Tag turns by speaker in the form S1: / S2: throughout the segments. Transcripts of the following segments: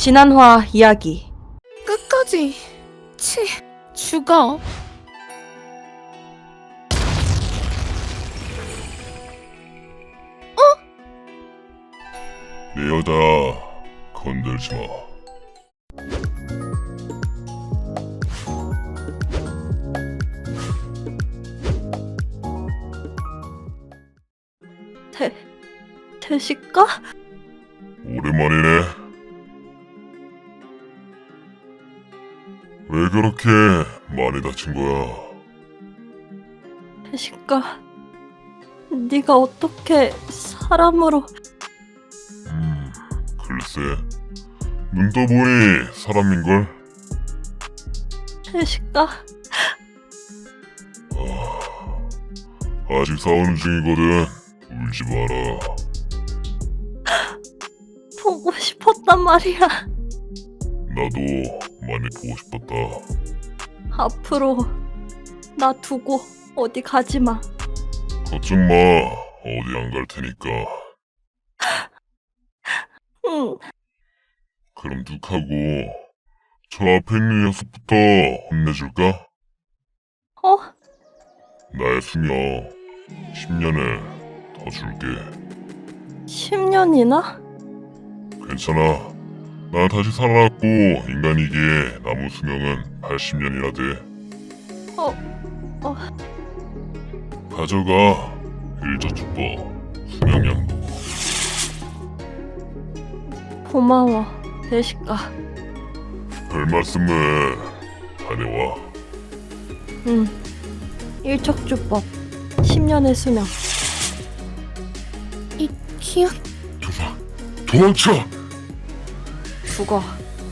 S1: 지난화 이야기.
S2: 끝까지 죽어.
S3: 내 여자 건들지 마.
S1: 대식가?
S3: 오랜만이네. 왜 그렇게 많이 다친 거야?
S1: 대식가, 네가 어떻게 사람으로...
S3: 글쎄, 눈 떠보니 사람인걸?
S1: 대식가,
S3: 아직 싸우는 중이거든. 울지 마라.
S1: 보고 싶었단 말이야.
S3: 나도 많이 보고 싶었다.
S1: 앞으로 나 두고 어디 가지 마.
S3: 걱정 마. 어디 안 갈 테니까.
S1: 응.
S3: 그럼 둑하고 저 앞에 있는 녀석부터 혼내줄까?
S1: 어?
S3: 나의 수명 10년을 더 줄게.
S1: 10년이나?
S3: 괜찮아. 난 다시 살아났고 인간이기에 남은 수명은 80년이나 돼. 가져가. 일저축복 수명연금.
S1: 고마워, 대식가.
S3: 별 말씀을. 다녀와.
S1: 응. 일척주법 10년의 수명.
S2: 이 기억
S3: 도망쳐!
S1: 죽어.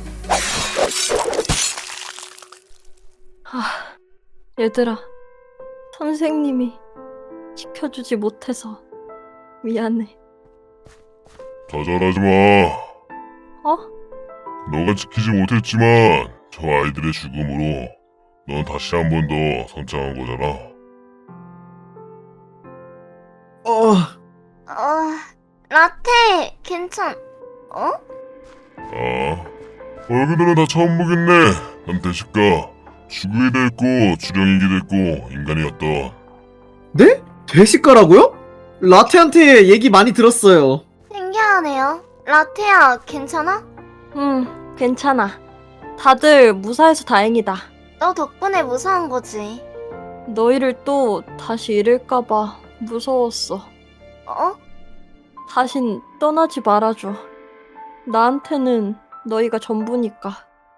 S1: 얘들아, 선생님이 지켜주지 못해서 미안해.
S3: 좌절하지 마.
S1: 어?
S3: 너가 지키지 못했지만 저 아이들의 죽음으로 넌 다시 한 번 더 성장한 거잖아.
S4: 라테, 어?
S3: 아, 얼굴들은 다 처음 보겠네. 난 대식가 죽이기도 했고 주령이기도 했고 인간이었던.
S5: 네? 대식가라고요? 라테한테 얘기 많이 들었어요.
S4: 신기하네요. 라테야, 괜찮아?
S1: 응, 괜찮아. 다들 무사해서 다행이다.
S4: 너 덕분에 무사한 거지.
S1: 너희를 또 다시 잃을까봐 무서웠어.
S4: 어?
S1: 다신 떠나지 말아줘. 나한테는 너희가 전부니까.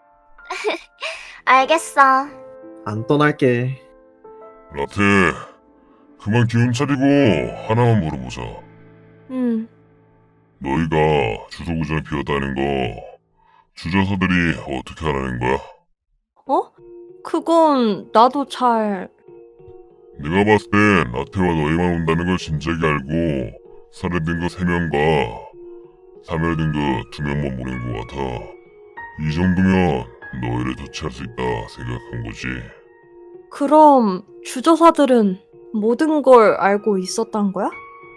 S4: 알겠어.
S5: 안 떠날게.
S3: 라테, 그만 기운 차리고 하나만 물어보자.
S1: 응,
S3: 너희가 주소구전에 비었다는 거 주저서들이 어떻게 하라는 거야?
S1: 어? 그건 나도 잘...
S3: 내가 봤을 땐 라테와 너희만 온다는 걸 진작에 알고 살해된 거 3명과 사멸된 거 2명만 보낸 것 같아. 이 정도면 너희를 조치할 수 있다 생각한 거지.
S1: 그럼 주저사들은 모든 걸 알고 있었단 거야?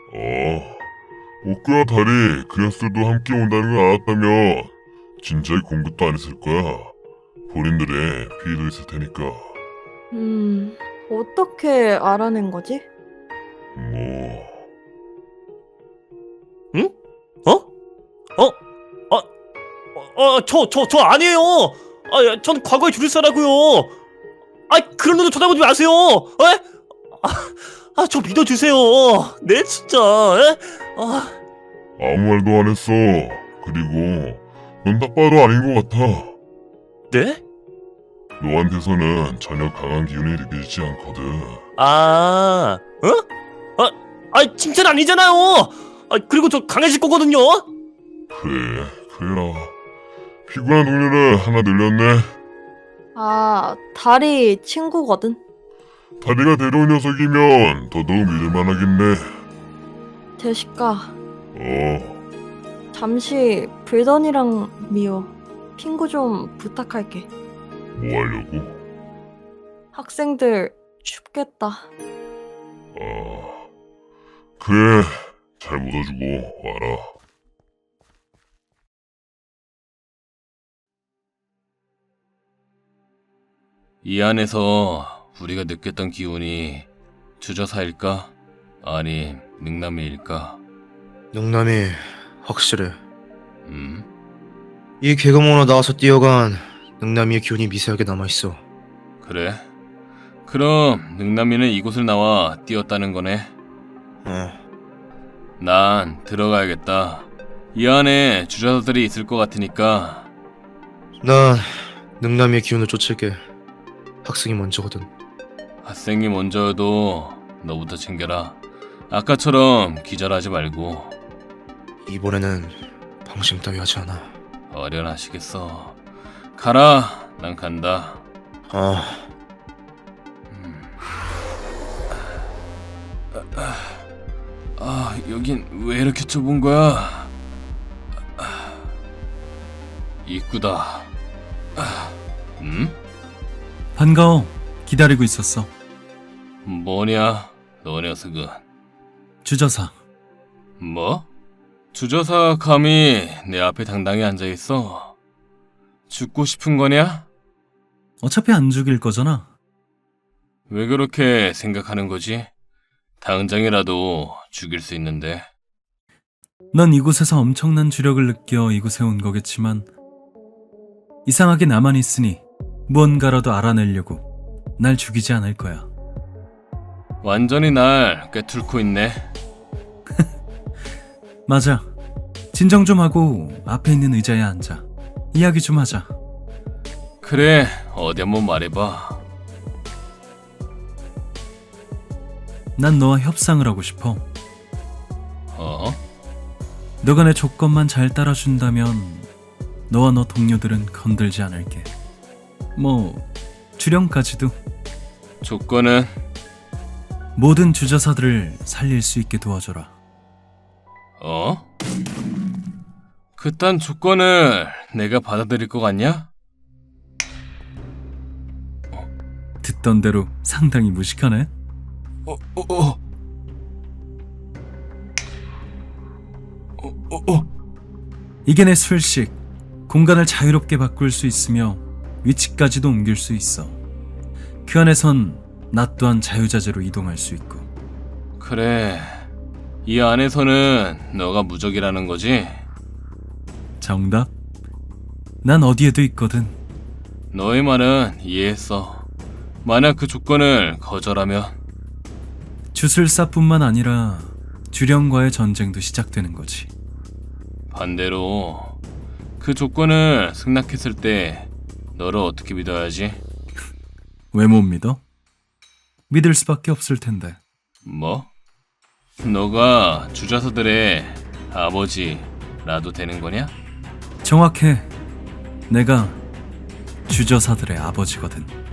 S3: 옥구와 달이 그 녀석들도 함께 온다는 걸 알았다면 진작에 공격도 안 했을 거야. 본인들의 피해도 있을 테니까.
S1: 어떻게 알아낸 거지?
S3: 뭐...
S6: 응? 저 아니에요! 전 과거의 주술사라고요! 그런 눈도 쳐다보지 마세요! 저 믿어주세요! 네, 진짜, 에?
S3: 아무 말도 안 했어. 그리고 넌 딱 봐도 아닌 것 같아.
S6: 네?
S3: 너한테서는 전혀 강한 기운이 느껴지지 않거든.
S6: 칭찬 아니잖아요! 그리고 저 강해질 거거든요!
S3: 그래라. 피곤한 동료를 하나 늘렸네.
S1: 달이 친구거든.
S3: 다리가 데려온 녀석이면 더더욱 믿을만 하겠네.
S1: 대식가, 잠시 불던이랑 미호, 핑구 좀 부탁할게.
S3: 뭐 하려고?
S1: 학생들 춥겠다.
S3: 그래, 잘 묻어주고 와라.
S7: 이 안에서 우리가 느꼈던 기운이 주저사일까? 아니, 능남이일까?
S8: 능남이 확실해.
S7: 음?
S8: 이 개구멍으로 나와서 뛰어간 능남이의 기운이 미세하게 남아있어.
S7: 그래? 그럼 능남이는 이곳을 나와 뛰었다는 거네?
S8: 어,
S7: 난 들어가야겠다. 이 안에 주저사들이 있을 것 같으니까.
S8: 난 능남이의 기운을 쫓을게. 학생이 먼저거든.
S7: 학생이 먼저여도 너부터 챙겨라. 아까처럼 기절하지 말고.
S8: 이번에는 방심 따위 하지 않아.
S7: 어련하시겠어. 가라. 난 간다.
S8: 아,
S7: 여긴 왜 이렇게 좁은 거야? 입구다.
S9: 반가워. 기다리고 있었어.
S7: 뭐냐, 너 녀석은.
S9: 주저사.
S7: 뭐? 주저사 감히 내 앞에 당당히 앉아있어? 죽고 싶은 거냐?
S9: 어차피 안 죽일 거잖아.
S7: 왜 그렇게 생각하는 거지? 당장이라도 죽일 수 있는데.
S9: 넌 이곳에서 엄청난 주력을 느껴 이곳에 온 거겠지만 이상하게 나만 있으니 무언가라도 알아내려고 날 죽이지 않을 거야.
S7: 완전히 날 꿰뚫고 있네.
S9: 맞아. 진정 좀 하고 앞에 있는 의자에 앉아. 이야기 좀 하자.
S7: 그래, 어디 한번 말해봐.
S9: 난 너와 협상을 하고 싶어.
S7: 어?
S9: 너가 내 조건만 잘 따라준다면 너와 너 동료들은 건들지 않을게. 뭐 주령까지도.
S7: 조건은?
S9: 모든 주저사들을 살릴 수 있게 도와줘라.
S7: 어? 그딴 조건을 내가 받아들일 것 같냐?
S9: 듣던 대로 상당히 무식하네. 이게 내 술식. 공간을 자유롭게 바꿀 수 있으며 위치까지도 옮길 수 있어. 그 안에선 나 또한 자유자재로 이동할 수 있고.
S7: 그래, 이 안에서는 너가 무적이라는 거지?
S9: 정답? 난 어디에도 있거든.
S7: 너의 말은 이해했어. 만약 그 조건을 거절하면?
S9: 주술사뿐만 아니라 주령과의 전쟁도 시작되는 거지.
S7: 반대로 그 조건을 승낙했을 때 너를 어떻게 믿어야지?
S9: 왜 못 믿어? 믿을 수밖에 없을 텐데.
S7: 뭐? 너가 주저사들의 아버지라도 되는 거냐?
S9: 정확해. 내가 주저사들의 아버지거든.